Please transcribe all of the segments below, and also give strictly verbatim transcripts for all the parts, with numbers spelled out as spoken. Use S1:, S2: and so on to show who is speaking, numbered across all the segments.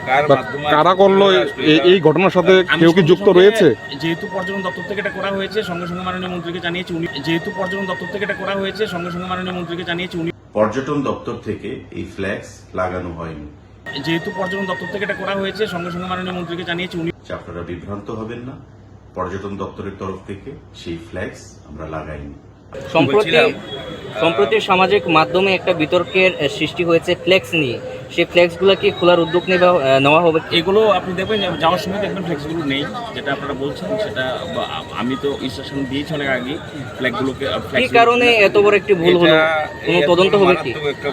S1: কারা করলো এই ঘটনার সাথে কেউ কি যুক্ত রয়েছে?
S2: যেহেতু পর্যটন দপ্তর থেকে এটা করা হয়েছে, সঙ্গে সঙ্গে মাননীয় মন্ত্রীকে জানিয়েছি উনি যেহেতু পর্যটন দপ্তর থেকে এটা করা হয়েছে সঙ্গে সঙ্গে মাননীয় মন্ত্রীকে জানিয়েছি উনি
S3: পর্যটন দপ্তর থেকে এই ফ্ল্যাক্স লাগানো হয়নি।
S2: যেহেতু পর্যটন দপ্তর থেকে এটা করা হয়েছে সঙ্গে সঙ্গে মাননীয় মন্ত্রীকে জানিয়েছি উনি
S3: আপনারা বিভ্রান্ত হবেন না, পর্যটন দপ্তরের তরফ থেকে সেই ফ্ল্যাক্স আমরা লাগাইনি।
S4: সম্প্রতি সম্প্রতি সামাজিক মাধ্যমে একটা বিতর্কের সৃষ্টি হয়েছে ফ্লেক্স নিয়ে। সেই ফ্লেক্সগুলো কি খোলার উদ্যোগ নেওয়া হবে?
S2: এগুলো আপনি দেখবেন যাওয়ার সময় দেখবেন ফ্লেক্সগুলো নেই, যেটা আপনারা বলছেন সেটা আমি তো ইনস্ট্রাকশন দিয়েছি অনেক আগে। ফ্ল্যাগগুলোকে
S4: কি কারণে এত বড় একটি ভুল হলো? কোনো তদন্ত হবে কি?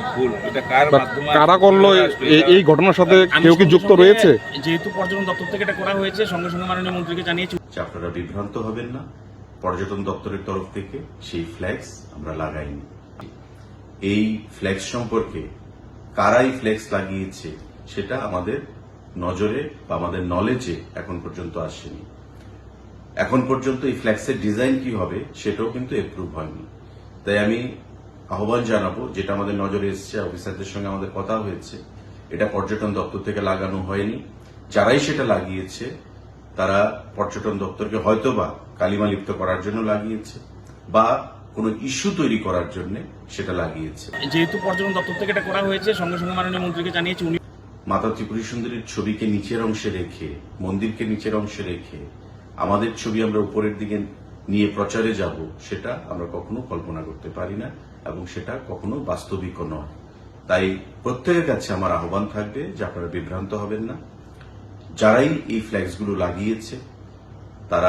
S1: কারা করলো এই ঘটনার সাথে কেউ কি যুক্ত রয়েছে?
S2: যেহেতু পর্যটন দপ্তর থেকে এটা করা হয়েছে সঙ্গে সঙ্গে মাননীয় মন্ত্রীকে জানিয়েছি।
S3: আপনারা বিভ্রান্ত হবেন না, পর্যটন দপ্তরের তরফ থেকে সেই ফ্ল্যাক্স আমরা লাগাইনি। এই ফ্ল্যাক্স সম্পর্কে কারাই ফ্ল্যাক্স লাগিয়েছে সেটা আমাদের নজরে বা আমাদের নলেজে এখন পর্যন্ত আসেনি। এখন পর্যন্ত এই ফ্ল্যাক্সের ডিজাইন কি হবে সেটাও কিন্তু এপ্রুভ হয়নি। তাই আমি আহ্বান জানাবো, যেটা আমাদের নজরে এসছে, অফিসারদের সঙ্গে আমাদের কথা হয়েছে, এটা পর্যটন দপ্তর থেকে লাগানো হয়নি। যারাই সেটা লাগিয়েছে তারা পর্যটন দপ্তরকে হয়তোবা কালিমা লিপ্ত করার জন্য লাগিয়েছে বা কোনো ইস্যু তৈরি করার জন্য সেটা লাগিয়েছে।
S2: যেহেতু পর্যটন দপ্তর থেকে এটা করা হয়েছে সঙ্গে সঙ্গে মাননীয় মন্ত্রীকে জানিয়েছি উনি
S3: মাতা ত্রিপুরী সুন্দরীর ছবিকে নিচের অংশে রেখে, মন্দিরকে নিচের অংশে রেখে আমাদের ছবি আমরা উপরের দিকে নিয়ে প্রচারে যাব, সেটা আমরা কখনো কল্পনা করতে পারি না এবং সেটা কখনো বাস্তবিকও নয়। তাই প্রত্যেকের কাছে আমার আহ্বান থাকবে যে আপনারা বিভ্রান্ত হবেন না। যারাই এই ফ্ল্যাক্সগুলো লাগিয়েছে তারা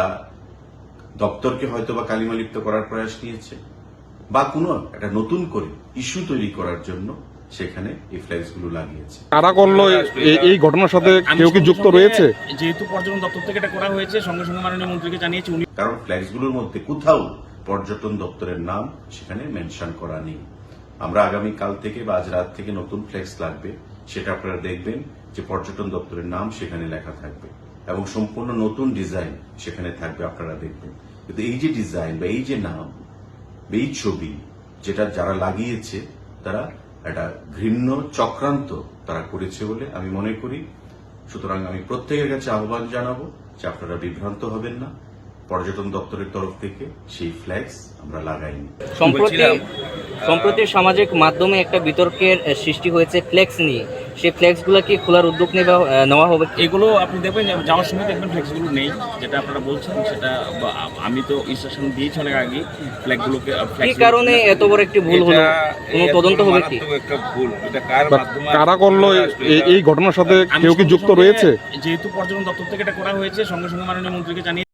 S3: দপ্তরকে হয়তো বা কালিমা লিপ্ত করার প্রয়াস নিয়েছে বা কোনো একটা নতুন করে ইস্যু তৈরি করার জন্য সেখানে এই ফ্ল্যাক্সগুলো লাগিয়েছে।
S1: কারা করলো এই ঘটনার সাথে কেউ কি যুক্ত রয়েছে?
S2: যেহেতু পর্যটন দপ্তর থেকে এটা করা হয়েছে সঙ্গে সঙ্গে মাননীয় মন্ত্রীকে জানিয়েছি উনি
S3: কারণ ফ্ল্যাক্সগুলোর মধ্যে কোথাও পর্যটন দপ্তরের নাম সেখানে মেনশন করা নেই। আমরা আগামী কাল থেকে বা আজ রাত থেকে নতুন ফ্ল্যাক্স লাগবে, সেটা আপনারা দেখবেন যে পর্যটন দপ্তরের নাম সেখানে লেখা থাকবে এবং সম্পূর্ণ নতুন ডিজাইন সেখানে থাকবে, আপনারা দেখবেন। কিন্তু এই যে ডিজাইন বা এই যে নাম বা এই ছবি যেটা যারা লাগিয়েছে তারা একটা ঘৃণ্য চক্রান্ত তারা করেছে বলে আমি মনে করি। সুতরাং আমি প্রত্যেকের কাছে আহ্বান জানাবো যে আপনারা বিভ্রান্ত হবেন না, পর্যটন দপ্তরের তরফ থেকে সেই ফ্ল্যাক্স আমরা লাগাইনি।
S4: সম্প্রতি সম্প্রতি সামাজিক মাধ্যমে একটা বিতর্কের সৃষ্টি হয়েছে ফ্লেক্স নিয়ে। সেই ফ্লেক্সগুলো কি খোলার উদ্যোগ নেওয়া হবে?
S2: এগুলো আপনি দেখবেন যাওয়ার সময় দেখবেন ফ্লেক্সগুলো নেই, যেটা আপনারা বলছেন সেটা আমি তো ইনস্ট্রাকশন দিয়েছি অনেক আগে। ফ্ল্যাগগুলোকে
S4: কি কারণে এত বড় একটি ভুল হলো? কোনো তদন্ত হবে কি?
S1: কারা করলো এই ঘটনার সাথে কেউ কি যুক্ত রয়েছে?
S2: যেহেতু পর্যটন দপ্তর থেকে এটা করা হয়েছে সঙ্গে সঙ্গে মাননীয় মন্ত্রীকে জানিয়ে